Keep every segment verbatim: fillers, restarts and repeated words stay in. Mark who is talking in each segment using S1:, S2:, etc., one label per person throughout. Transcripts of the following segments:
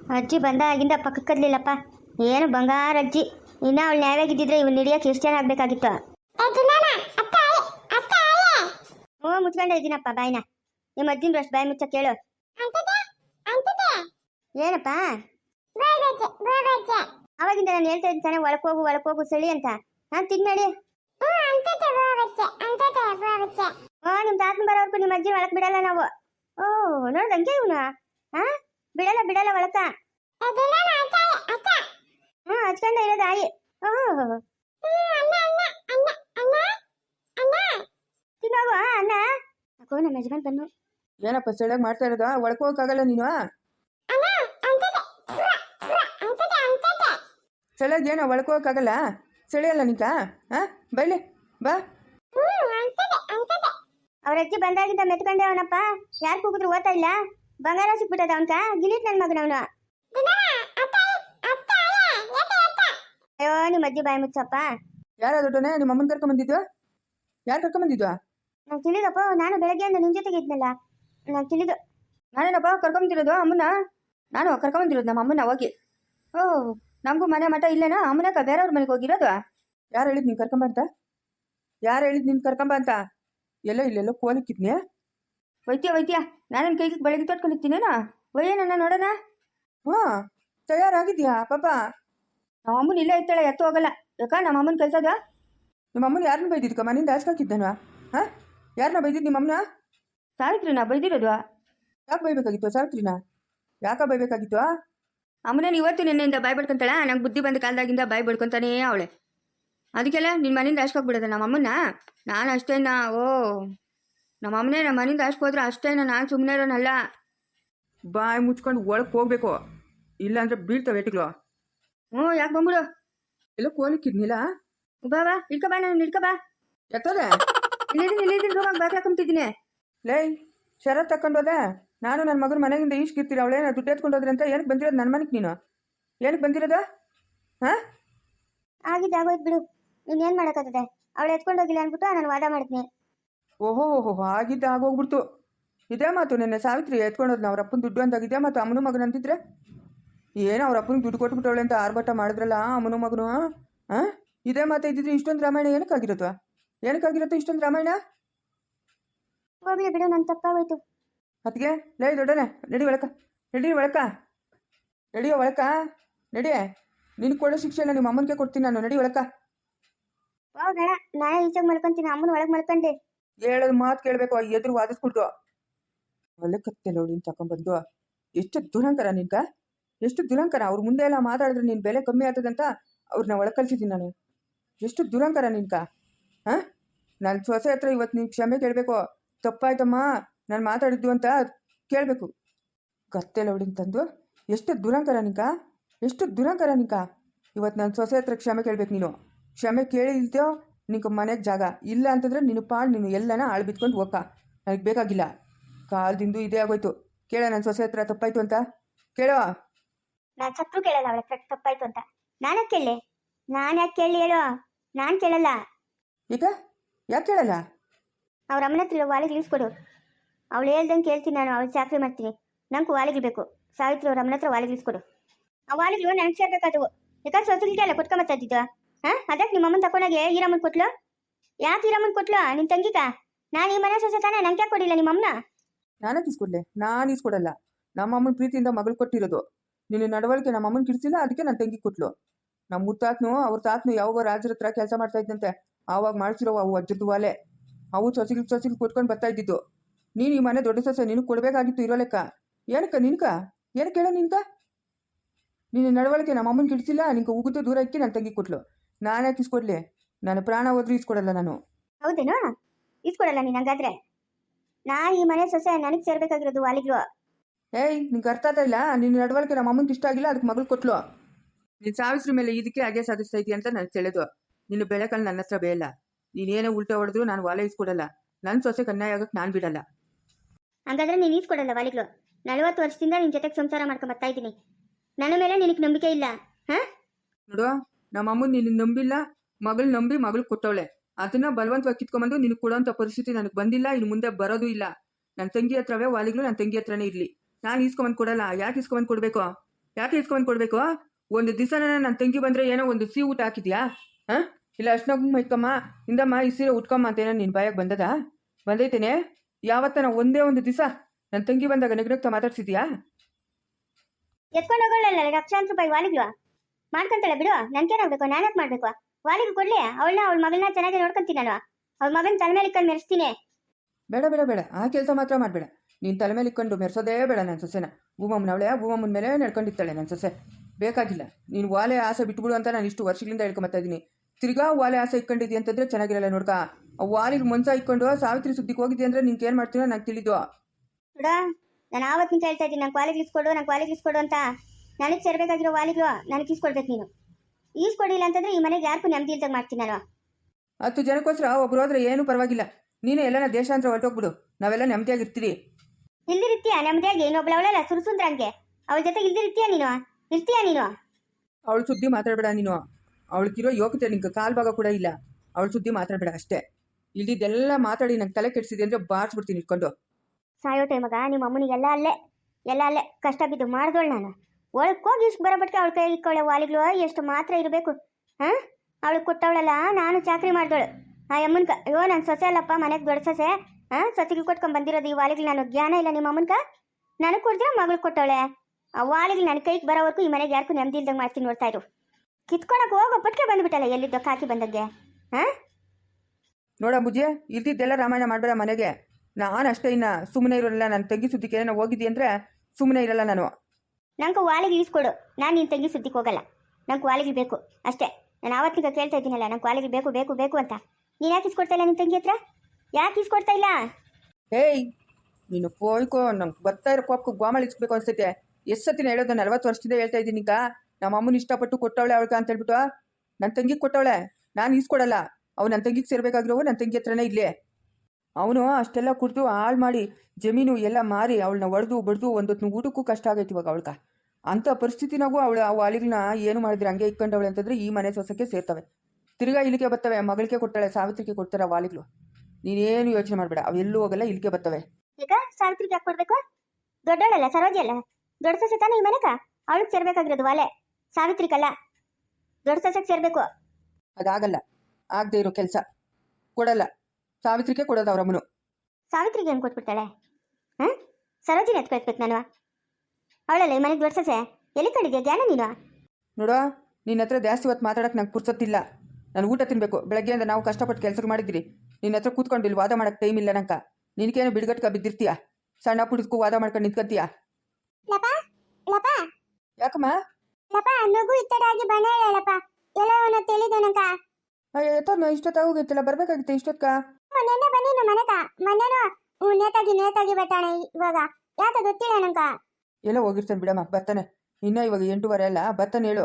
S1: ಅಜ್ಜಿ ಬಂದಾಗಿಂದ ಪಕ್ಕ ಕದ್ಲಿಲ್ಲಪ್ಪ. ಏನು ಬಂಗಾರ ಅಜ್ಜಿ. ಇನ್ನ ಅವಳು ನ್ಯಾಯವಾಗಿದ್ದಿದ್ರೆ ಇವನ್ ಹಿಡಿಯಕ್ಕೆ ಎಷ್ಟು ಜನ ಆಗ್ಬೇಕಾಗಿತ್ತು. ಹ್ಞೂ ಮುಚ್ಕೊಂಡೆ ಇದ್ದೀನಪ್ಪ ಬಾಯ್ನ. ನಿಮ್ಮ ಅಜ್ಜಿನ ಅಷ್ಟು ಬಾಯಿ ಮುಚ್ಚ ಕೇಳು. ಏನಪ್ಪ ಅವಾಗಿಂದ ನಾನು ಹೇಳ್ತಾ ಇದ್ದೀನಿ ತಾನೆ, ಒಳಕ್ ಹೋಗು ಒಳಕ್ ಹೋಗು ಸಳಿ ಅಂತ. ನಾನು ತಿನ್ನಡಿ. ಓ ನಿಮ್ ತಾತನ ಬರೋವರೆಗೂ ನಿಮ್ಮ ಅಜ್ಜಿ ಒಳಕ್ ಬಿಡಲ್ಲ ನಾವು. ಓ ನೋಡ್ದಂಗೆ ಇವನು. ಹಾ ಬಿಡಲ್ಲ ಬಿಡಲ್ಲ ಒಳಕ. ಹ್ಮ್ ಹಚ್ಕೊಂಡೆ ಇರೋದು ಆಯಿ. ಓಹ್ ತಿನ್ನೋಗು ಅಣ್ಣ. ಅಕ್ಕೋ ನಮ್ಮ ಯಜಮಾನ್ ಬನ್ನು.
S2: ಏನಪ್ಪ ಸೆಳಗ್ ಮಾಡ್ತಾ ಇರೋದ? ಒಳಕ್ ಹೋಗಕ್ಕಾಗಲ್ಲ ನೀನು. ಸೆಳಗ್ ಏನೋ ಒಳಕ್ ಹೋಗಕ್ಕಾಗಲ್ಲ. ಸೆಳೆಯಲ್ಲ ನಿಂಕ. ಹಾ ಬೈಲಿ ಬಾ.
S1: ಅವ್ರ ಅಜ್ಜಿ ಬಂದಾಗಿಂದ ಮೆತ್ಕೊಂಡೆ ಅವನಪ್ಪ. ಯಾರು ಕೂಗಿದ್ರು ಓದ್ತಾ ಇಲ್ಲ. ಬಂಗಾರ ಸಿಕ್ಬಿಟ್ಟದ ಅವನ್ಕ. ಗಿಲೀಟ್ ನನ್ ಮಗನವನು. ಅಯ್ಯೋ ನಿಮ್ಮ ಅಜ್ಜಿ ಬಾಯಿ ಮುಚ್ಚಪ್ಪ.
S2: ಯಾರ ದೊಡ್ಡನೆ ನಿಮ್ಮ ಅಮ್ಮನ ಕರ್ಕೊಂಡ್ ಬಂದಿದ್ವಾ? ಯಾರು ಕರ್ಕೊಂಡ್ ಬಂದಿದ್ವಾ?
S1: ನಾನು ತಿಳಿದಪ್ಪ. ನಾನು ಬೆಳಗ್ಗೆಯಿಂದ ನಿಮ್ ಜೊತೆಗೆ ಇದ್ನಲ್ಲ, ನಾನು ತಿಳಿದು.
S2: ನಾನೇನಪ್ಪ ಕರ್ಕೊಂಬಂದಿರೋದು ಅಮ್ಮನ? ನಾನು ಕರ್ಕೊಂಬಂದಿರೋದು ನಮ್ಮ ಅಮ್ಮನ ಹೋಗಿ. ಓ ನಮಗೂ ಮನೆ ಮಠ ಇಲ್ಲೇನಾ? ಅಮ್ಮನಕ್ಕ ಬೇರೆಯವ್ರ ಮನೆಗೆ ಹೋಗಿರೋದು? ಯಾರು ಹೇಳಿದ್ ನೀನು ಕರ್ಕೊಂಬ ಅಂತ? ಯಾರು ಹೇಳಿದ್ ನೀನು ಕರ್ಕೊಂಬ ಅಂತ? ಎಲ್ಲ ಇಲ್ಲೆಲ್ಲೋ ಕೋಲಿಕ್ಕಿದ್ನಿ. ವೈದ್ಯ ವೈದ್ಯ ನಾನೇನು ಕೈಗೆ ಬೆಳಗ್ಗೆ ತೊಟ್ಕೊಂಡಿರ್ತೀನೇನೋ. ಒಯ್ಯ ನನ್ನ ನೋಡೋಣ. ಹ್ಞೂ ತಯಾರಾಗಿದ್ಯಾ ಪಾಪ? ನಮ್ಮ ಅಮ್ಮನ ಇಲ್ಲೇ ಇರ್ತಾಳೆ, ಎತ್ತು ಹೋಗಲ್ಲ. ಯಾಕ ನಮ್ಮ ಅಮ್ಮನ ಕೆಲ್ಸದ? ನಿಮ್ಮ ಅಮ್ಮನ ಯಾರನ್ನ ಬೈದಿದ್ಕ? ಮನೆಯಿಂದ ಹಾಸ್ಕಾಕಿದ್ದಾನ? ಹಾಂ ಯಾರನ್ನ ಬೈದಿದ್ದು ನಿಮ್ಮ ಅಮ್ಮನ? ಸಾವಿತ್ರಿನ ಬೈದಿರೋದು? ಯಾಕೆ ಬೈಬೇಕಾಗಿತ್ತು ಸಾವಿತ್ರಿನ? ಯಾಕೆ ಬೈಬೇಕಾಗಿತ್ತು? ಅಮ್ಮನೇನು ಇವತ್ತು ನಿನ್ನೆಯಿಂದ ಬಾಯ್ ಬಿಡ್ಕೊಂತಾಳ. ನಂಗೆ ಬುದ್ಧಿ ಬಂದ ಕಾಲದಾಗಿಂದ ಬಾಯ್ ಬಿಡ್ಕೊತಾನೇ ಅವಳೆ. ಅದಕ್ಕೆಲ್ಲ ನಿನ್ನ ಮನೆಯಿಂದ ಹಾಸ್ಕೋಗ್ಬಿಡೋದ ನಮ್ಮ ಅಮ್ಮನ್ನ? ನಾನು ಅಷ್ಟೇನಾ? ಓ ನಮ್ಮ ಅಮ್ಮನೇ ನಮ್ಮ ಮನೆಯಿಂದ ಹಾಸ್ಕೋದ್ರೆ ಅಷ್ಟೇನ? ನಾನು ಸುಮ್ಮನೆ ಇರೋನಲ್ಲ. ಬಾಯ್ ಮುಚ್ಕೊಂಡು ಒಳಗೆ ಹೋಗ್ಬೇಕು, ಇಲ್ಲಾಂದ್ರೆ ಬೀಳ್ತಾವೆ ಏಟಿಗಳು. ಹ್ಞೂ ಯಾಕೆ ಬಂದ್ಬಿಡು. ಎಲ್ಲ ಕೋಲಿಕ್ಕಿದ್ನಿಲ್ಲ. ಬಾ ಬಾ ಇಡ್ಕ ಬಾ, ನಾನು ಇಡ್ಕ ಬಾ. ಎತ್ತೋದೆ ಇಲ್ಲಿದ್ದೀನಿ ಇಲ್ಲಿದ್ದೀನಿ ರೂಮಾಗ ಬಾಗ್ಲ ಹಾಕೊಂಬಿಟ್ಟಿದ್ದೀನಿ. ಲೈ ಶರತ್ ತಕೊಂಡೋದೆ. ನಾನು ನನ್ನ ಮಗನ ಮನೆಯಿಂದ ಈಶ್ಕಿರ್ತೀರ. ಅವಳೇನ ದುಡ್ಡು ಎತ್ಕೊಂಡೋದ್ರಿ ಅಂತ ಏನಕ್ಕೆ ಬಂದಿರೋದು ನನ್ನ ಮನೆಗೆ? ನೀನು ಏನಕ್ಕೆ ಬಂದಿರೋದು? ಹಾಂ
S1: ಆಗಿದ್ದು ಆಗೋಯ್ತು ಬಿಡು. ಇನ್ನೇನು ಮಾಡೋಕ್ಕಾಗ್ತದೆ? ಅವಳು ಎತ್ಕೊಂಡು ಹೋಗಿಲ್ಲ ಅಂದ್ಬಿಟ್ಟು ನಾನು ವಾದ ಮಾಡ್ತೀನಿ.
S2: ಓಹೋ ಓಹೋ ಆಗಿದ್ದ ಆಗೋಗ್ಬಿಡ್ತು. ಇದೇ ಮಾತು ನಿನ್ನೆ ಸಾವಿತ್ರಿ ಎತ್ಕೊಂಡೋದ್ನ ಅವ್ರ ಅಪ್ಪನ ದುಡ್ಡು ಅಂದಾಗ ಇದೇ ಮಾತು ಅಮ್ಮನ ಮಗನ ಅಂತಿದ್ರೆ ಏನೋ ಅವ್ರ ಅಪ್ಪನಿಗೆ ದುಡ್ಡು ಕೊಟ್ಬಿಟ್ಟವಳೆ ಅಂತ ಆರ್ಭಟ ಮಾಡಿದ್ರಲ್ಲ ಅಮ್ಮನ ಮಗನು. ಹಾಂ ಇದೇ ಮಾತು ಇದ್ದಿದ್ರೆ ಇಷ್ಟೊಂದು ರಾಮಾಯಣ ಏನಕ್ಕಾಗಿರುತ್ತೋ? ಏನಕ್ಕಾಗಿರುತ್ತೋ ಇಷ್ಟೊಂದು ರಾಮಾಯಣ?
S1: ಹೋಗ್ಲಿ ಬಿಡು, ನನ್ನ ತಪ್ಪಾಗೋಯ್ತು.
S2: ಅದಕ್ಕೆ ಲೈ ದೊಡ್ಡನೆ ನಡಿ ಒಳಕ, ನಡಿ ಒಳಕ, ನಡಿಯೋ ಒಳಕ ನಡಿ. ನಿನ್ ಕೊಡೋ ಶಿಕ್ಷೆ ಎಲ್ಲ ನಿಮ್ಮ ಅಮ್ಮನಿಗೆ ಕೊಡ್ತೀನಿ ನಾನು. ನಡಿ ಒಳಕ.
S1: ಹೋಗಣ, ನಾನೇ ಈಚೆಗೆ ಮಲ್ಕೊಂತೀನಿ. ಅಮ್ಮನ ಒಳಗೆ ಮಲ್ಕೊಂಡೆ.
S2: ಹೇಳೋದು ಮಾತು ಕೇಳಬೇಕು, ಎದುರು ವಾದಿಸ್ಬಿಡ್ತು. ಒಳ್ಳೆ ಕತ್ತೆ ನೋಡಿ ತಕೊಂಡ್ಬಂದು. ಎಷ್ಟು ದುರಂಕರ ನಿನ್ಕ, ಎಷ್ಟು ದುರಂಕರ. ಅವ್ರ ಮುಂದೆ ಎಲ್ಲ ಮಾತಾಡಿದ್ರೆ ನಿನ್ನ ಬೆಲೆ ಕಮ್ಮಿ ಆಗ್ತದಂತ ಅವ್ರನ್ನ ಒಳಗೆ ಕಳ್ಸಿದ್ದೀನಿ ನಾನು. ಎಷ್ಟು ದುರಂಕರ ನಿನ್ಕ. ಹಾಂ ನನ್ನ ಸೊಸೆ ಹತ್ರ ಇವತ್ತು ನೀನು ಕ್ಷಮೆ ಕೇಳಬೇಕು. ತಪ್ಪಾಯ್ತಮ್ಮ ನಾನು ಮಾತಾಡಿದ್ದು ಅಂತ ಕೇಳಬೇಕು. ಕತ್ತೆ ಲೌಡಿನ ತಂದು ಎಷ್ಟು ದುರಂಕರ ನಿನ್ಕ, ಎಷ್ಟು ದುರಂಕರ ನಿನ್ಕ. ಇವತ್ತು ನನ್ನ ಸೊಸೆ ಹತ್ರ ಕ್ಷಮೆ ಕೇಳಬೇಕು ನೀನು. ಕ್ಷಮೆ ಕೇಳಿದ್ಯೋ ನಿಂಗೆ ಮನೆಗೆ ಜಾಗ ಇಲ್ಲ ಅಂತಂದರೆ ನೀನು ಪಾಳು ನೀನು ಎಲ್ಲನ ಆಳು ಬಿತ್ಕೊಂಡು ಹೋಗ್ಕ. ನನಗೆ ಬೇಕಾಗಿಲ್ಲ. ಕಾಲದಿಂದ ಇದೇ ಆಗೋಯ್ತು. ಕೇಳ ನನ್ನ ಸೊಸೆ ಹತ್ರ ತಪ್ಪಾಯ್ತು ಅಂತ ಕೇಳೋ.
S1: ನಾನು ಸತ್ರು ಕೇಳಲ್ಲ ಅವಳ ಹತ್ರ ತಪ್ಪಾಯ್ತು ಅಂತ. ನಾನೇ ಕೇಳಿ? ನಾನು ಯಾಕೆ ಕೇಳಿ ಹೇಳು? ನಾನು ಕೇಳಲ್ಲ.
S2: ಈಗ ಯಾಕೆ ಕೇಳಲ್ಲ?
S1: ಅವ್ರ ಅಮ್ಮನ ಹತ್ರ ವಾಲಿಗೆ ಇಳಿಸ್ಕೊಡು. ಅವಳು ಹೇಳ್ದಂಗೆ ಕೇಳ್ತೀನಿ ನಾನು. ಅವಳು ಚಾಕ್ರಿ ಮಾಡ್ತೀನಿ. ನಂಗೆ ವಾಲಿಗೆ ಬೇಕು. ಸಾವಿತ್ರಿ ಅವ್ರ ಅಮ್ಮನ ಹತ್ರ ವಾಲಿಗೆ ಇಳಿಸ್ಕೊಡು. ಆ ವಾಲಿಗಳು ನನಗೆ ಸೇರ್ಬೇಕಾದವು. ಯಾಕಂದ್ರೆ ಸೊಸೆಗೆ ಅಲ್ಲ ಕೊಟ್ಕೊಂಬತ್ತಾ ಇದ್ದಿದ್ದು. ಹಾಂ ಅದಕ್ಕೆ ನಿಮ್ಮ ಅಮ್ಮನ ತಕೊಂಡಾಗೆ ಈರಮ್ಮನ ಕೊಟ್ಲು. ಯಾಕೆ ಈರಮ್ಮನ ಕೊಟ್ಲು? ನಿನ್ನ ತಂಗಿಕ? ನಾನು ಈ ಮನೆ ಸೊಸೆ ತಾನೇ, ನಂಗೆ ಯಾಕೆ ಕೊಡಿಲ್ಲ ನಿಮ್ಮ ಅಮ್ಮನ?
S2: ನಾನೇ ಇಸ್ಕೊಡ್ಲೆ? ನಾನು ಇಸ್ಕೊಡಲ್ಲ. ನಮ್ಮ ಅಮ್ಮನ ಪ್ರೀತಿಯಿಂದ ಮಗಳು ಕೊಟ್ಟಿರೋದು. ನಿನ್ನ ನಡವಳಿಕೆ ನಮ್ಮ ಅಮ್ಮನ ಕಿಡಿಸಿಲ್ಲ, ಅದಕ್ಕೆ ನನ್ನ ತಂಗಿ ಕೊಟ್ಲು. ನಮ್ಮ ಮುತ್ತಾತ್ನು ಅವ್ರ ತಾತ್ನು ಯಾವಾಗ ರಾಜರ ಹತ್ರ ಕೆಲಸ ಮಾಡ್ತಾ ಇದ್ದಂತೆ ಆವಾಗ ಮಾಡ್ಸಿರೋ ಅವು ಅಜ್ಜದ್ದು ವಾಲೆ. ಅವು ಸೊಸೆಗೆ ಸೊಸೆಗೆ ಕೊಟ್ಕೊಂಡು ಬರ್ತಾ ಇದ್ದಿದ್ದು. ನೀನು ಈ ಮನೆ ದೊಡ್ಡ ಸೊಸೆ, ನಿನಗೆ ಕೊಡಬೇಕಾಗಿತ್ತು ಇರೋ ಲೆಕ್ಕ. ಏನಕ್ಕ ನಿನ್ಕ ಏನಕ್ಕೆ ಹೇಳೋ ನಿನ್ಕ? ನಿನ್ನ ನಡವಳಿಕೆ ನಮ್ಮ ಅಮ್ಮನ ಕಿಡಿಸಿಲ್ಲ, ನಿನ್ಗೆ ಉಗುತ್ತು ದೂರ ಇಕ್ಕಿ ನನ್ನ ತಂಗಿ ಕೊಟ್ಲು. ನಾನೇ ಇಸ್ಕೊಡ್ಲಿ? ನಾನು ಪ್ರಾಣ ಹೋದ್ರೂ ಇಸ್ಕೊಡಲ್ಲ ನಾನು.
S1: ಹೌದೇನೋ? ಇಸ್ಕೊಡಲ್ಲ ನೀನು ಹಂಗಾದ್ರೆ? ನಾ ಈ ಮನೆ ಸೊಸೆ, ನನಗೆ ಸೇರ್ಬೇಕಾಗಿರೋದು ವಾಲಿಗಳು.
S2: ಏಯ್ ನಿಂಗೆ ಅರ್ಥ ಆಗ್ತಾ ಇಲ್ಲ? ನಿನ್ನ ನಡವಳಿಕೆ ನಮ್ಮ ಅಮ್ಮನಿಗೆ ಇಷ್ಟ ಆಗಿಲ್ಲ, ಅದಕ್ಕೆ ಮಗಳು ಕೊಟ್ಲು. ನೀನು ಸಾವಿಸ್ರ ಮೇಲೆ ಇದಕ್ಕೆ ಹಾಗೆ ಸಾಧಿಸ್ತಾ ಇದೆಯಾ ಅಂತ ನನಗೆ ತಿಳಿದು. ನಿನ್ನ ಬೆಳೆಕಲ್ಲಿ ನನ್ನ ಹತ್ರ ಬೇಯಲ್ಲ. ನೀನೇನೇ ಉಲ್ಟಾ ಹೊಡೆದ್ರು ನಾನು ವಾಲೆ ಇಸ್ಕೊಡಲ್ಲ. ನನ್ನ ಸೊಸೆ ಕನ್ಯಾಯ ಆಗಕ್ಕೆ ನಾನು ಬಿಡಲ್ಲ.
S1: ಹಂಗಾದ್ರೆ ನೀನು ಈಸ್ಕೊಡಲ್ಲ ವಾಲಿಗಳು? ನಲವತ್ತು ವರ್ಷದಿಂದ ನಿನ್ನ ಜೊತೆಗೆ ಸಂಸಾರ ಮಾಡ್ಕೊಂಡು ಬರ್ತಾ ಇದ್ದೀನಿ. ನನ್ನ ಮೇಲೆ ನಿನಗೆ ನಂಬಿಕೆ ಇಲ್ಲ? ಹಾಂ
S2: ನೋಡು, ನಮ್ಮ ಅಮ್ಮನ ನಿನ್ನ ನಂಬಿಲ್ಲ, ಮಗಳು ನಂಬಿ ಮಗಳು ಕೊಟ್ಟವಳೆ. ಅದನ್ನ ಬಲವಂತವಾಗಿ ಕಿತ್ಕೊಂಬಂದು ನಿನಗೆ ಕೊಡೋಂಥ ಪರಿಸ್ಥಿತಿ ನನಗೆ ಬಂದಿಲ್ಲ, ಇನ್ನು ಮುಂದೆ ಬರೋದು ಇಲ್ಲ. ನನ್ನ ತಂಗಿ ಹತ್ರವೇ ವಾಲಿಗಳು ನನ್ನ ತಂಗಿ ಹತ್ರನೇ ಇರಲಿ. ನಾನು ಇಸ್ಕೊಂಬಂದು ಕೊಡಲ್ಲ. ಯಾಕೆ ಇಸ್ಕೊಂಬಂದು ಕೊಡಬೇಕು? ಯಾಕೆ ಇಸ್ಕೊಂಡು ಕೊಡಬೇಕು? ಒಂದು ದಿವಸನ ನನ್ನ ತಂಗಿ ಬಂದರೆ ಏನೋ ಒಂದು ಸಿಹಿ ಊಟ ಹಾಕಿದ್ಯಾ? ಹಾಂ, ಇಲ್ಲ ಅರ್ಶಿನ ಕುಂಕುಮ ಇಕ್ಕಮ್ಮ ಇಂದಮ್ಮ ಈ ಸೀರೆ ಉಟ್ಕಮ್ಮ ಅಂತೇನೋ ನಿನ್ನ ಬಾಯಾಗ ಬಂದದ? ಬಂದೈತೇನೆ? ಯಾವತ್ತನ ಒಂದೇ ಒಂದು ದಿವಸ ನನ್ನ ತಂಗಿ ಬಂದಾಗ ನಗ್ನಗ್ತಾ ಮಾತಾಡ್ಸಿದ್ಯಾ?
S1: ಎತ್ಕೊಂಡು ಹೋಗೋಳಲ್ಲ ಲಕ್ಷಾಂತರ ರೂಪಾಯಿ ವಾಲಿಗ್ಲು ಮಾಡ್ಕೊಂತಾಳೆ ಬಿಡು. ನನ್ಗೇನಾಗಬೇಕು? ನಾನಕ್ಕೆ ಮಾಡಬೇಕು? ವಾಲಿಗೆ ಕೊಡ್ಲಿ, ಅವಳನ್ನ ಅವಳ ಮಗಳನ್ನ ಚೆನ್ನಾಗಿ ನೋಡ್ಕೊಂತೀನಿ ನಾನು. ಅವಳ ಮಗನ ತಲೆ ಮೇಲೆ ಇಕ್ಕೊಂಡು ಮೆರೆಸ್ತೀನಿ.
S2: ಬೇಡ ಬೇಡ ಬೇಡ, ಆ ಕೆಲಸ ಮಾತ್ರ ಮಾಡಬೇಡ. ನೀನು ತಲೆ ಮೇಲೆ ಇಕ್ಕೊಂಡು ಮೆರೆಸೋದೇ ಬೇಡ ನನ್ನ ಸೊಸೆನ. ಭೂಮಮ್ಮನವಳೆ ಭೂಮಮ್ಮನ ಮೇಲೆ ನಡ್ಕೊಂಡಿರ್ತಾಳೆ ನನ್ನ ಸೊಸೆ. ಬೇಕಾಗಿಲ್ಲ. ನೀನು ವಾಲೆ ಆಸೆ ಬಿಟ್ಬಿಡು ಅಂತ ನಾನು ಇಷ್ಟು ವರ್ಷಗಳಿಂದ ಹೇಳ್ಕೊಂಬತ್ತಾ ಇದ್ದೀನಿ. ತಿರ್ಗಾ ವಾಲೆ ಆಸೆ ಇಕ್ಕೊಂಡಿದ್ದಿ ಅಂತಂದ್ರೆ ಚೆನ್ನಾಗಿರಲ್ಲ ನೋಡ್ಕ. ಆ ವಾಲಿಗೆ ಮನ್ಸ ಇಕ್ಕೊಂಡು ಸಾವಿತ್ರಿ ಸುದ್ದಿಗೆ ಹೋಗಿದ್ದೆ ಅಂದ್ರೆ ನಿನ್ಗೆ ಏನು ಮಾಡ್ತೀನೋ ನಂಗೆ ತಿಳಿದು
S1: ನೋಡ. ನಾನು ಆವತ್ತಿನ ಕೇಳ್ತಾ ಇದ್ದೀನಿ, ನಂಗೆ ವಾಲಿಗೆ ಇಸ್ಕೊಡು, ನಂಗೆ ವಾಲಿಗೆ ಇಸ್ಕೊಡು ಅಂತ. ನನಗೆ ಸೇರ್ಬೇಕಾಗಿರೋ ವಾಲಿಗಳು ನನಗೆ ಈಸ್ಕೊಡ್ಬೇಕು. ನೀನು ಈಸ್ಕೊಡಿಲ್ಲ ಅಂತಂದ್ರೆ ಈ ಮನೆಗೆ ಯಾರಿಗೂ ನೆಮ್ಮದಿ ಇಲ್ದಾಗ ಮಾಡ್ತೀನಿ ನಾನು.
S2: ಹತ್ತು ಜನಕ್ಕೋಸ್ಕರ ಒಬ್ರು ಹೋದ್ರೆ ಏನೂ ಪರವಾಗಿಲ್ಲ. ನೀನು ಎಲ್ಲನ ದೇಶಾಂತರ ಹೊರಟೋಗ್ಬಿಡು, ನಾವೆಲ್ಲ ನೆಮ್ಮದಿಯಾಗಿರ್ತೀರಿ.
S1: ಇಲ್ದಿರಿತ್ತೀಯ ನೆಮ್ಮದಿಯಾಗಿ? ಇನ್ನೊಬ್ಳವಳಲ್ಲ ಸುರುಸುಂದ್ರಂಗೆ, ಅವಳ ಜೊತೆ ಇಲ್ದಿರಿತ್ತೀಯ ನೀನು? ಇರ್ತೀಯ ನೀನು?
S2: ಅವಳು ಸುದ್ದಿ ಮಾತಾಡಬೇಡ ನೀನು. ಅವಳಿಗಿರೋ ಯೋಗ್ಯತೆ ನಿಂಗೆ ಕಾಲು ಭಾಗ ಕೂಡ ಇಲ್ಲ. ಅವಳು ಸುದ್ದಿ ಮಾತಾಡಬೇಡ ಅಷ್ಟೇ. ಇಲ್ದಿದ್ದೆಲ್ಲ ಮಾತಾಡಿ ನಂಗೆ ತಲೆ ಕೆಡಿಸಿದೆ ಅಂದರೆ ಬಾರಿಸ್ಬಿಡ್ತೀನಿ ಇಟ್ಕೊಂಡು.
S1: ಸಾಯೋ ಟೈಮಾಗ ನಿಮ್ಮ ಅಮ್ಮನಿಗೆಲ್ಲ ಅಲ್ಲೇ ಎಲ್ಲ ಅಲ್ಲೇ ಕಷ್ಟ ಬಿದ್ದು ಮಾಡಿದೋಳು ನಾನು. ಒಳಗೆ ಹೋಗಿ ಇಷ್ಟು ಬರೋಬಟ್ಕೆ ಅವಳ ಕೈ ಇಕ್ಕೊಳ್ಳೆ ವಾಲಿಗಳು ಎಷ್ಟು ಮಾತ್ರ ಇರಬೇಕು? ಹಾಂ, ಅವಳಿಗೆ ಕೊಟ್ಟವಳಲ್ಲ, ನಾನು ಚಾಕ್ರಿ ಮಾಡಿದೋಳು ಆ ಅಮ್ಮನ್ಕ. ಅಯ್ಯೋ ನನ್ನ ಸೊಸೆ ಅಲ್ಲಪ್ಪ, ಮನೆಗೆ ದೊಡ್ಡ ಸೊಸೆ. ಹಾಂ, ಸೊಸೆಗೆ ಕೊಟ್ಕೊಂಡು ಬಂದಿರೋದು ಈ ವಾಲಿಗಳು. ನಾನು ಜ್ಞಾನ ಇಲ್ಲ ನಿಮ್ಮ ಅಮ್ಮನ್ಕ? ನನಗೆ ಕೊಡ್ದಿರ ಮಗಳು ಕೊಟ್ಟವಳೆ. ಆ ವಾಲಿಗಳು ನನ್ನ ಕೈಗೆ ಬರೋವರೆಗೂ ಈ ಮನೆಗೆ ಯಾರಿಗೂ ನೆಮ್ಮದಿ ಇಲ್ದಂಗೆ ಮಾಡ್ತೀನಿ. ನೋಡ್ತಾ ಇರು. ಕಿತ್ಕೊಳಕ್ಕೆ ಹೋಗೋ ಪಟ್ಕೆ ಬಂದುಬಿಟ್ಟಲ್ಲ ಎಲ್ಲಿದ್ದೋ ಕಾಕಿ ಬಂದಂಗೆ. ಹಾಂ,
S2: ನೋಡ ಬುಜ್ಜಿ, ಇಲ್ದಿದ್ದೆಲ್ಲ ರಾಮಾಯಣ ಮಾಡಬೇಡ ಮನೆಗೆ. ನಾನು ಅಷ್ಟೇ ಇನ್ನು ಸುಮ್ಮನೆ ಇರೋಲ್ಲ. ನನ್ನ ತಂಗಿ ಸುದ್ದಿಗೆ ಏನೋ ಹೋಗಿದ್ದಿ ಅಂದರೆ ಸುಮ್ಮನೆ ಇರಲ್ಲ ನಾನು.
S1: ನಂಗೆ ವಾಲಿಗೆ ಈಸ್ಕೊಡು, ನಾನು ನಿನ್ನ ತಂಗಿ ಸುದ್ದಿಗೆ ಹೋಗಲ್ಲ. ನಂಗೆ ವಾಲಿಗೆ ಬೇಕು ಅಷ್ಟೇ. ನಾನು ಆವತ್ತಿಗೆ ಕೇಳ್ತಾ ಇದ್ದೀನಲ್ಲ, ನಂಗೆ ವಾಲಿಗೆ ಬೇಕು ಬೇಕು ಬೇಕು ಅಂತ. ನೀನು ಯಾಕೆ ಇಸ್ಕೊಡ್ತಾ ಇಲ್ಲ ನಿನ್ನ ತಂಗಿ ಹತ್ರ? ಯಾಕೆ ಇಸ್ಕೊಡ್ತಾ ಇಲ್ಲ?
S2: ಏಯ್, ನೀನು ಕೋಯ್ಕೋ. ನಂಗೆ ಬರ್ತಾ ಇರೋ ಕೋಪಕ್ಕೆ ಗೋಮಳ ಇಸ್ಬೇಕು ಅನ್ಸ್ತೈತೆ. ಎಷ್ಟು ಸತಿನ ಹೇಳೋದು? ನಲ್ವತ್ತು ವರ್ಷದಿಂದ ಹೇಳ್ತಾ ಇದ್ದೀನಿ ಈಗ. ನಮ್ಮ ಅಮ್ಮನ ಇಷ್ಟಪಟ್ಟು ಕೊಟ್ಟವಳೆ ಅವಳಿಗೆ ಅಂತ ಹೇಳ್ಬಿಟ್ಟು ನನ್ನ ತಂಗಿಗೆ ಕೊಟ್ಟವಳೆ. ನಾನು ಈಸ್ಕೊಡಲ್ಲ. ಅವು ನನ್ನ ತಂಗಿಗೆ ಸೇರ್ಬೇಕಾಗಿರೋವು ನನ್ನ ತಂಗಿ ಹತ್ರನೇ ಇಲ್ಲೇ. ಅವನು ಅಷ್ಟೆಲ್ಲ ಕುಡಿದು ಹಾಳು ಮಾಡಿ ಜಮೀನು ಎಲ್ಲ ಮಾರಿ ಅವಳನ್ನ ಒಡೆದು ಬಡ್ದು ಒಂದೊತ್ತು ಊಟಕ್ಕೂ ಕಷ್ಟ ಆಗೈತಿ ಇವಾಗ ಅವಳ್ಗೆ. ಅಂಥ ಪರಿಸ್ಥಿತಿನಾಗೂ ಅವಳು ಆ ವಾಲಿಗಳನ್ನ ಏನು ಮಾಡಿದ್ರೆ ಹಂಗೆ ಇಟ್ಕೊಂಡವಳೆ ಅಂತಂದರೆ ಈ ಮನೆ ಸೊಸಕ್ಕೆ ಸೇರ್ತವೆ. ತಿರ್ಗಾ ಇಲ್ಲಿಗೆ ಬರ್ತವೆ. ಮಗಳಿಗೆ ಕೊಡ್ತಾಳೆ, ಸಾವಿತ್ರಿಗೆ ಕೊಡ್ತಾರೆ ಆ ವಾಲಿಗಳು. ನೀನೇನು ಯೋಚನೆ ಮಾಡಬೇಡ, ಅವೆಲ್ಲೂ ಹೋಗಲ್ಲ, ಇಲ್ಲಿಗೆ ಬರ್ತವೆ.
S1: ಈಗ ಸಾವಿತ್ರಿಗೆ ಯಾಕೆ ಕೊಡ್ಬೇಕು? ದೊಡ್ಡವಳಲ್ಲ, ಸರೋಜಿ ಅಲ್ಲ, ದೊಡ್ಡ ಸೊಸೆ ತಾನೇ ಈ ಮನೆಕ. ಅವಳಿಗೆ ಸೇರ್ಬೇಕಾಗಿರೋದು ವಾಲೆ, ಸಾವಿತ್ರಿಕಲ್ಲ. ದೊಡ್ಡ ಸೊಸೆಗೆ ಸೇರ್ಬೇಕು.
S2: ಅದಾಗಲ್ಲ, ಆಗದೆ ಇರೋ ಕೆಲಸ. ಕೊಡಲ್ಲ, ಸಾವಿತ್ರಿಗೆ ಕೊಡೋದು ಅವರಮ್ಮನು.
S1: ಸಾವಿತ್ರಿಗೆ ಏನು ಕೊಟ್ಬಿಡ್ತಾಳೆ? ಹಾಂ, ಸರೋಜಿನ ಎತ್ಕೊಳ್ಬೇಕು ನಾನು. ಅವಳಲ್ಲ ಈ ಮನೆಗೆ ದೊಡ್ಡ ಸೊಸೆ. ಎಲ್ಲಿ ಕಂಡಿದ್ಯಾ ಜ್ಞಾನ ನೀನು?
S2: ನೋಡೋ, ನಿನ್ನ ಹತ್ರ ಜಾಸ್ತಿ ಹೊತ್ತು ಮಾತಾಡೋಕೆ ನಂಗೆ ಪುರ್ಸೊತ್ತಿಲ್ಲ. ನಾನು ಊಟ ತಿನ್ನಬೇಕು. ಬೆಳಗ್ಗೆಯಿಂದ ನಾವು ಕಷ್ಟಪಟ್ಟು ಕೆಲಸ ಮಾಡಿದ್ದೀರಿ. ನಿನ್ನ ಹತ್ರ ಕೂತ್ಕೊಂಡು ಇಲ್ಲಿ ವಾದ ಮಾಡೋಕ್ಕೆ ಟೈಮ್ ಇಲ್ಲ ನಂಗೆ. ನಿನಗೇನು ಬಿಡ್ಗಟ್ಕ ಬಿದ್ದಿರ್ತೀಯ? ಸಣ್ಣ ಪುಡಿದ್ಕೂ ವಾದ ಮಾಡ್ಕೊಂಡು ನಿಂತ್ಕೊಂತೀಯ? ಯಾಕಮ್ಮ? ಅಯ್ಯೋ, ಎತ್ತೋ ಇಷ್ಟೊತ್ತಾಗೋಗಿತ್ತಲ್ಲ, ಬರಬೇಕಾಗಿತ್ತು ಇಷ್ಟೊತ್ಕ. ಎಲ್ಲ ಹೋಗಿರ್ತಾನೆ ಬಿಡಮ್ಮ, ಬರ್ತಾನೆ. ಇನ್ನ ಇವಾಗ ಎಂಟೂವರೆ ಅಲ್ಲ, ಬರ್ತಾನೆ. ಹೇಳು.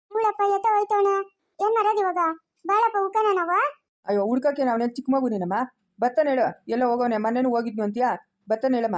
S2: ಅಯ್ಯೋ, ಹುಡ್ಕಕ್ಕೆ ನಾವನೇ ಚಿಕ್ಕ ಮಗು ನೀನಮ್ಮ. ಬರ್ತಾನೆ ಹೇಳು. ಎಲ್ಲ ಹೋಗೋನೆ, ಮೊನ್ನೆನೂ ಹೋಗಿದ್ನು ಅಂತೀಯಾ? ಬರ್ತಾನೆ ಹೇಳಮ್ಮ.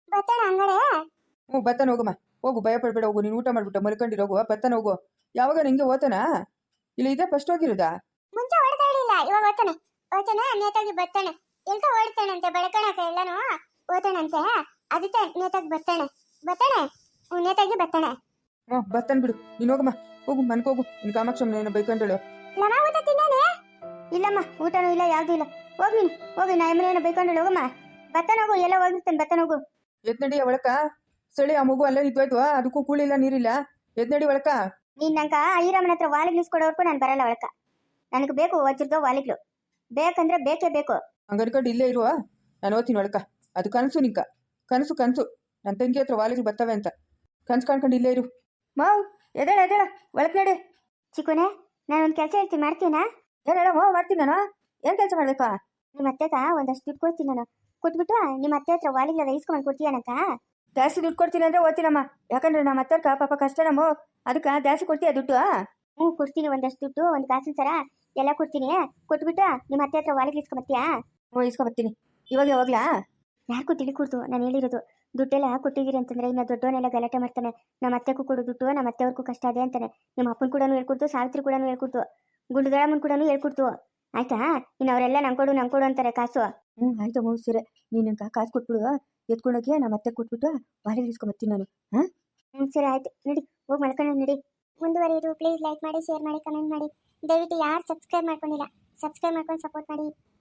S2: ಹ್ಞೂ, ಬರ್ತಾನೆ ಹೋಗಮ್ಮ. ಹೋಗು, ಭಯ ಪಡ್ಬೇಡ, ಹೋಗು. ನೀನು ಊಟ ಮಾಡ್ಬಿಟ್ಟು ಮಲ್ಕೊಂಡಿರೋಗು. ಬರ್ತಾನೆ ಹೋಗು. ಯಾವಾಗ ನಿಂಗೆ ಓದ್ತಾನಾ? ಇಲ್ಲ ಇದೇ ಫಸ್ಟ್ ಹೋಗಿರೋದಾ?
S1: ಮುಂಚೆ ಓಡ್ತಾ ಇರಲಿಲ್ಲ, ಇವಾಗ ಓದ್ತಾನೆ. ಓದ್ತಾನೆ, ನೇತಾಗಿ ಬರ್ತಾನೆ. ಎಲ್ಕ ಓಡ್ತಾನಂತೆ, ಬೆಳಕಣಕ ಎಲ್ಲಾನು ಓದ್ತಾನಂತೆ. ಅದಕ್ಕೆ ನೇತಾಗಿ ಬರ್ತಾನೆ. ಬರ್ತಾನೆ, ನೇತಾಗಿ ಬರ್ತಾನೆ.
S2: ಹ್ಞೂ, ಬರ್ತಾನೆ ಬಿಡು. ನೀನು ಹೋಗಮ್ಮ, ಹೋಗು, ಮನ್ಕೋಗು. ನಿನ್ನ ಕಾಮಾಕ್ಷಮ್ಮನೇನು ಬೈಕೊಂಡಳು.
S1: ಲಮ ಊಟ ತಿನ್ನಾನೆ? ಇಲ್ಲಮ್ಮ, ಊಟನೂ ಇಲ್ಲ, ಯಾವುದೂ ಇಲ್ಲ. ಹೋಗಿ ನೀನು, ಹೋಗಿ. ನಾ ಎಮ್ಮನೇನೋ ಬೈಕೊಂಡಳು. ಹೋಗಮ್ಮ, ಬರ್ತಾನೆ ಹೋಗು. ಎಲ್ಲ ಹೋಗಿರ್ತಾನೆ, ಬರ್ತಾನೆ ಹೋಗು.
S2: ಎದ್ ನಡಿ ಒಳಕ. ಸಳಿ ಆ ಮಗು ಅಲ್ಲೇ ನಿಂತೋಯ್ತು, ಅದಕ್ಕೂ ಕೂಳಿಲ್ಲ ನೀರಿಲ್ಲ. ಎದ್ ನಡಿ ಒಳಕ.
S1: ನೀನು ನಂಗೆ ಐರಮ್ಮನ ಹತ್ರ ವಾಲಿಗಳು ಇಸ್ಕೊಡೋರ್ಗೂ ನಾನು ಬರಲ್ಲ ಒಳಕ. ನನಗೆ ಬೇಕು ವಜ್ರದ ವಾಲಿಗಳು. ಬೇಕಂದ್ರೆ ಬೇಕೇ ಬೇಕು.
S2: ಹಂಗೆ ಅನ್ಕೊಂಡು ಇಲ್ಲೇ ಇರುವ. ನಾನು ಓದ್ತೀನಿ ಒಳಕ. ಅದು ಕನಸು ನಿಂಕ. ಕನಸು ಕನಸು ನನ್ನ ತಂಗಿ ಹತ್ರ ವಾಲಿಗಳು ಬರ್ತವೆ ಅಂತ ಕನ್ಸು ಕಾಣ್ಕೊಂಡು ಇಲ್ಲೇ ಇರು. ಮಾವು ಎದೇಳ ಎದೇಳ ಒಳಕ್ ನಡಿ.
S1: ಚಿಕ್ಕುನೆ, ನಾನು ಒಂದು ಕೆಲಸ ಹೇಳ್ತೀನಿ, ಮಾಡ್ತೀನಾ?
S2: ಏನು ಹೇಳ? ಹೋ, ಮಾಡ್ತೀನಿ ನಾನು. ಏನು ಕೆಲಸ ಮಾಡ್ಬೇಕಾ?
S1: ನಿಮ್ಮ ಅತ್ತೆಗ ಒಂದಷ್ಟು ದುಡ್ಡು ಕೊಡ್ತೀನಿ ನಾನು. ಕೊಟ್ಬಿಟ್ಟು ನಿಮ್ಮ ಅತ್ತೆ ಹತ್ರ ವಾಲಿಗಳ ಇಸ್ಕೊಂಡು ಕೊಡ್ತೀಯನಕ್ಕ?
S2: ಜಾಸ್ತಿ ದುಡ್ಡು ಕೊಡ್ತೀನಿ ಅಂದರೆ ಓದ್ತೀನಮ್ಮ. ಯಾಕಂದ್ರೆ ನಮ್ಮ ಅತ್ತರ್ಕ ಪಾಪ ಕಷ್ಟ ನಮ್ಮ. ಅದಕ್ಕೆ ಜಾಸ್ತಿ ಕೊಡ್ತೀಯ ದುಡ್ಡು?
S1: ಹ್ಞೂ, ಕೊಡ್ತೀನಿ. ಒಂದಷ್ಟು ದುಡ್ಡು, ಒಂದು ಕಾಸಿನ ಸರ ಎಲ್ಲ ಕೊಡ್ತೀನಿ. ಕೊಟ್ಬಿಟ್ಟು ನಿಮ್ಮ ಅತ್ತೆ ಹತ್ರ ವಾಲಿಗಳು ಇಸ್ಕೊಂಬತ್ತೀಯಾ?
S2: ಹ್ಞೂ, ಇಸ್ಕೊಬರ್ತೀನಿ. ಇವಾಗ ಹೋಗ್ಲಾ?
S1: ಯಾರಿಗೂ ತಿಳಿಕೊಡ್ತು ನಾನು ಹೇಳಿರೋದು. ದುಡ್ಡೆಲ್ಲ ಕೊಟ್ಟಿದ್ದೀರಿ ಅಂತಂದ್ರೆ ಇನ್ನು ದೊಡ್ಡವನೆಲ್ಲ ಗಲಾಟೆ ಮಾಡ್ತಾನೆ. ನಮ್ಮ ಅತ್ತೆಗೂ ಕೊಡು ದುಡ್ಡು, ನಮ್ಮ ಅತ್ತೆಯವ್ರಿಗೂ ಕಷ್ಟ ಅದೇ ಅಂತಾನೆ. ನಿಮ್ಮ ಅಪ್ಪನ ಕೂಡ ಹೇಳ್ಕೊಡ್ತು, ಸಾವಿತ್ರಿ ಕೂಡ ಹೇಳ್ಕೊಡ್ತು, ಗುಂಡುದಳಮ್ಮನ ಕೂಡ ಹೇಳ್ಕೊಡ್ತು. ಆಯ್ತಾ? ಇನ್ನು ಅವರೆಲ್ಲ ನಂಗೆ ಕೊಡು ನಂಗೆ ಕೊಡು ಅಂತಾರೆ ಕಾಸು.
S2: ಹ್ಞೂ, ಆಯ್ತು ಮಗು, ಸೀರೆ. ನೀನು ನಂಗೆ ಕಾಸು ಕೊಟ್ಬಿಡು. ಎತ್ಕೊಂಡೋಗಿ ನಮ್ಮ ಅತ್ತೆ ಕೊಟ್ಬಿಟ್ಟು ವಾಲಿಗಳು ಇಸ್ಕೊಂಬರ್ತೀನಿ ನಾನು. ಹಾಂ,
S1: ಹ್ಞೂ ಸರಿ ಆಯಿತು ನಡಿ ಹೋಗಿ ಮಲ್ಕೊಳ್ಳೋಣ ನಡಿ.
S3: ಮುಂದುವರಿಯಿರು. ಪ್ಲೀಸ್ ಲೈಕ್ ಮಾಡಿ, ಶೇರ್ ಮಾಡಿ, ಕಮೆಂಟ್ ಮಾಡಿ. ದಯವಿಟ್ಟು ಯಾರು ಸಬ್ಸ್ಕ್ರೈಬ್ ಮಾಡ್ಕೊಂಡಿಲ್ಲ ಸಬ್ಸ್ಕ್ರೈಬ್ ಮಾಡ್ಕೊಂಡು ಸಪೋರ್ಟ್ ಮಾಡಿ.